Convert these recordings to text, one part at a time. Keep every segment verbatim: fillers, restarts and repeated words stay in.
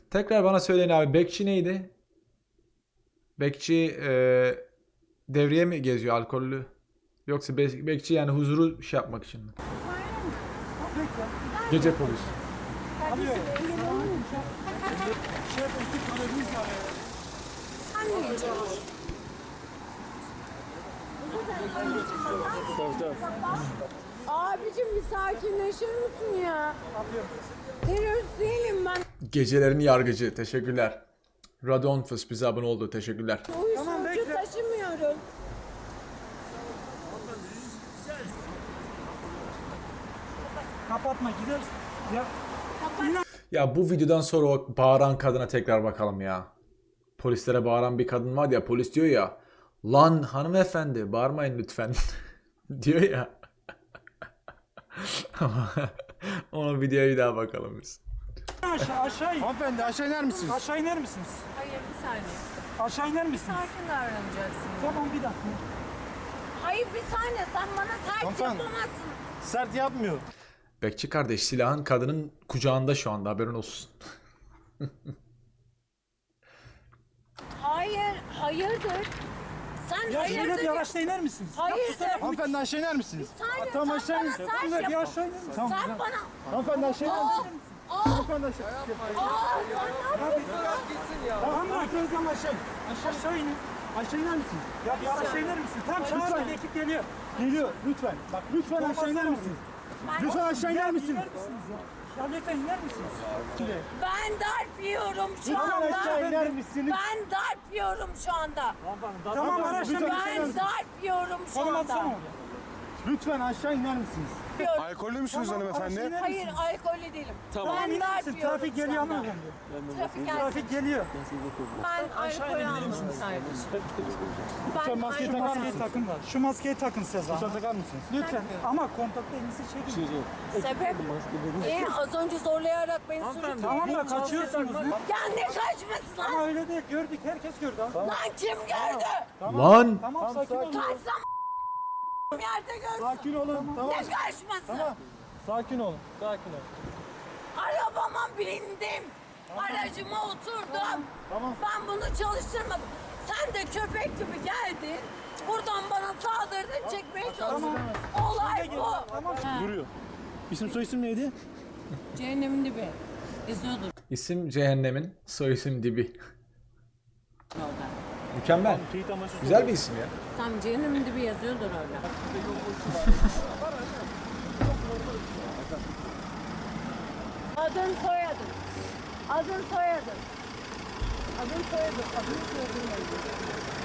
Tekrar bana söyleyin abi. Bekçi neydi? Bekçi e, devriye mi geziyor alkollü? Yoksa be- bekçi yani huzuru şey yapmak için mi? Gece polis. Abicim bir sakinleşir misin ya? Terörist değilim ben. Gecelerin yargıcı. Teşekkürler. Radonfus bize abone oldu. Teşekkürler. Uyuşturucu taşımıyorum. Kapatma gideriz. Ya Ya bu videodan sonra o bağıran kadına tekrar bakalım ya. Polislere bağıran bir kadın var ya, polis diyor ya, lan hanımefendi bağırmayın lütfen diyor ya. Ama ona videoya bir daha bakalım biz. aşağı aşağı in. Hanımefendi aşağı iner misiniz? Aşağı iner misiniz? Hayır bir saniye. Aşağı iner misiniz? Sakin davranacaksın. Tamam bir dakika. Hayır bir saniye sen bana sert Hanımefendi. yapamazsın. Sert yapmıyor. Bekçi kardeş, silahın kadının kucağında şu anda, haberin olsun. Hayır, hayırdır? Sen Ya şöyle hayırdır? bir araçta iner misiniz? Hayırdır? Hanımefendi aşağı iner misiniz? Saniye, Tamam sen aşağı bana in. sert Tamam bir yap. aşağı iner misiniz? Sen bana... Hanımefendi aşağı iner Aa, misiniz? aa, Hanımefendi aşağı. aa, sen ne yapıyorsun? Tamam bırakıyoruz ama aşağı. Aşağı inin. Aşağı iner misiniz? Ya bir aşağı iner misiniz? Tam çağırın ekip geliyor. Geliyor lütfen. Bak lütfen aşağı iner misiniz? Lütfen aşağı iner misiniz? İner misiniz ya? Ya lütfen iner misiniz? Ben darp yiyorum şu Lütfen aşağı anda. iner misiniz? Ben darp yiyorum şu anda. Tamam araçta bir Ben darp yiyorum şu Konum atsana anda. oraya. Lütfen aşağı iner misiniz? Yiyorum. Alkollü müsünüz Tamam, hanımefendi? araçta iner Hayır misiniz? alkollü değilim. Tamam Ben iner darp misin? yiyorum Trafik şu geliyor anda. hanımefendi. Trafik gelsin. Trafik geliyor. Ben alkol almışım sadece. Lütfen Ben maskeyi Şu takar maskeyi mısınız? takın da. Şu maskeyi takın Sezan. Lütfen takar mısınız? Lütfen. Ama kontakta elinizi çekin. sebep e, az önce zorlayarak beni sürüklüyor. Tamam da kaçıyorsunuz. Ya ne kaçması Ama lan? öyle değil. Gördük. Herkes gördü. ha. Lan kim gördü? Lan Tamam sakin olun. Kaçsam yerde görsün. Sakin olun. Tamam. Ne kaçması? Tamam. Sakin olun. Sakin olun. Arabama bindim. Aracıma oturdum. Tamam. Ben bunu çalıştırmadım. Sen de köpek gibi geldin. Buradan bana saldırdın, çekmeye çalıştın. Olay bu. Ha. Duruyor. İsim soy isim neydi? Cehennemin dibi. Yazıyordur isim cehennemin, soy isim dibi. orada. Mükemmel. Teyit amaçlı. Güzel bir isim ya. Tam cehennemin dibi yazıyordur orada. Adın soyadın. Adın soyadın. Adın soyadın. Adın soyadın yazıyor.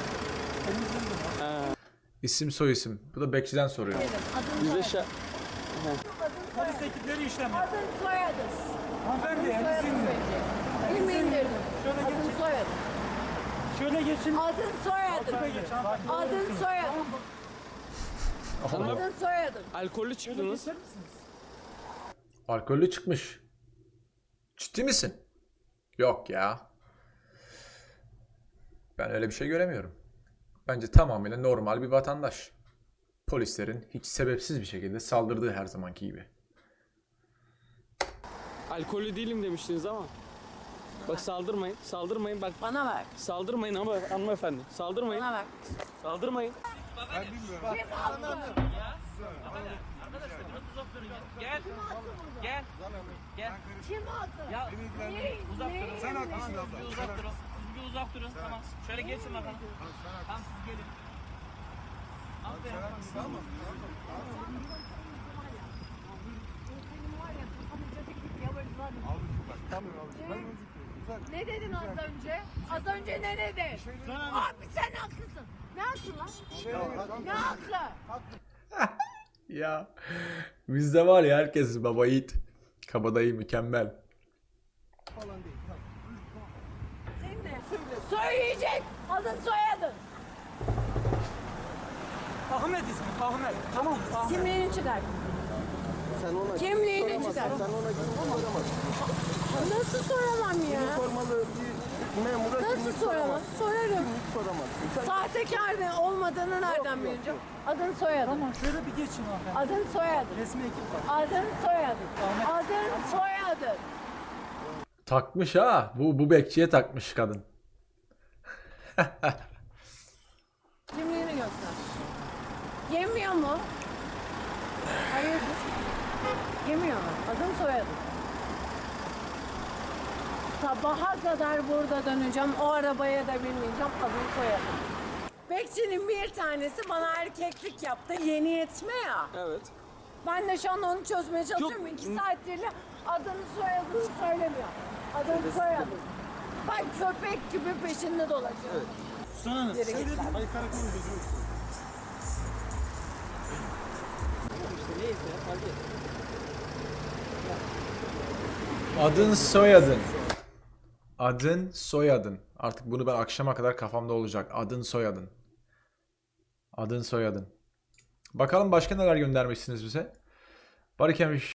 İsim soy isim. Bu da bekçiden soruyor. Adın soyadın. Polis ekipleri işlem. Adın soyadın. Hanımefendi elinizi Soyadın indirin. peki. İlmi indirdim. Şöyle Adın geçin. soyadın. Şöyle geçin. Adın soyadın. Şöyle geç. hanımefendi. Adın soyadın. Adın soyadın. Alkollü çıktınız. Geçer misiniz? Alkollü çıkmış. Ciddi misin? Yok ya. Ben öyle bir şey göremiyorum. Bence tamamıyla normal bir vatandaş. Polislerin hiç sebepsiz bir şekilde saldırdığı her zamanki gibi. Alkollü değilim demiştiniz ama. Bak saldırmayın, saldırmayın bak. Bana ver. Saldırmayın ama hanımefendi. Saldırmayın, Bana ver. saldırmayın. Gel. Gel. Gel. Kim attı? Ya Ne? uzak Ne? durun. Sen haklısın abla. Siz bir uzak durun. Siz bir uzak durun. Tamam. Şöyle geçin bakalım. Tamam siz gelin. Aferin. Ne dedin az önce? Az önce ne dedin? Abi sen haklısın. Ne haklı lan? Ne haklı? Ya bizde var ya, herkes baba yiğit. Kabadayı mükemmel. Senin ne? Söyleyecek. Adın soyadın. Ahmet ismi. Ahmet. Tamam. Ahmet. Kimliğini çıkar. Sen ona Kimliğini çıkar. Sen ona kimlik soramazsın. Nasıl soramam ya? Sormalı bir memura Nasıl kimlik soramam? soramazsın. Sorarım. Kimlik soramazsın. Sen Sahtekar ne olmadığını nereden bileceğim? Adın soyadın. Tamam şöyle bir geçin hanımefendi. Adın soyadın. Resmi ekip var. Adın soyadın. Adın soyadın. Takmış ha. Bu bu bekçiye takmış kadın. Kimliğini göster. Yemiyor mu? Hayırdır? Yemiyor mu? Adım soyadım. Sabaha kadar burada döneceğim. O arabaya da binmeyeceğim. Adım soyadım. Bekçinin bir tanesi bana erkeklik yaptı. Yeni yetme ya. Evet. Ben de şu an onu çözmeye çalışıyorum. İki saattir de adını soyadını söylemiyor. Adını soyadım. Ben köpek gibi peşinde dolaşıyorum. Sana ne? Geri git lan. Hayır karakol gözü. Adın soyadın. Adın soyadın. Artık bunu ben akşama kadar kafamda olacak. Adın soyadın. Adın soyadın. Bakalım başka neler göndermişsiniz bize. Barikem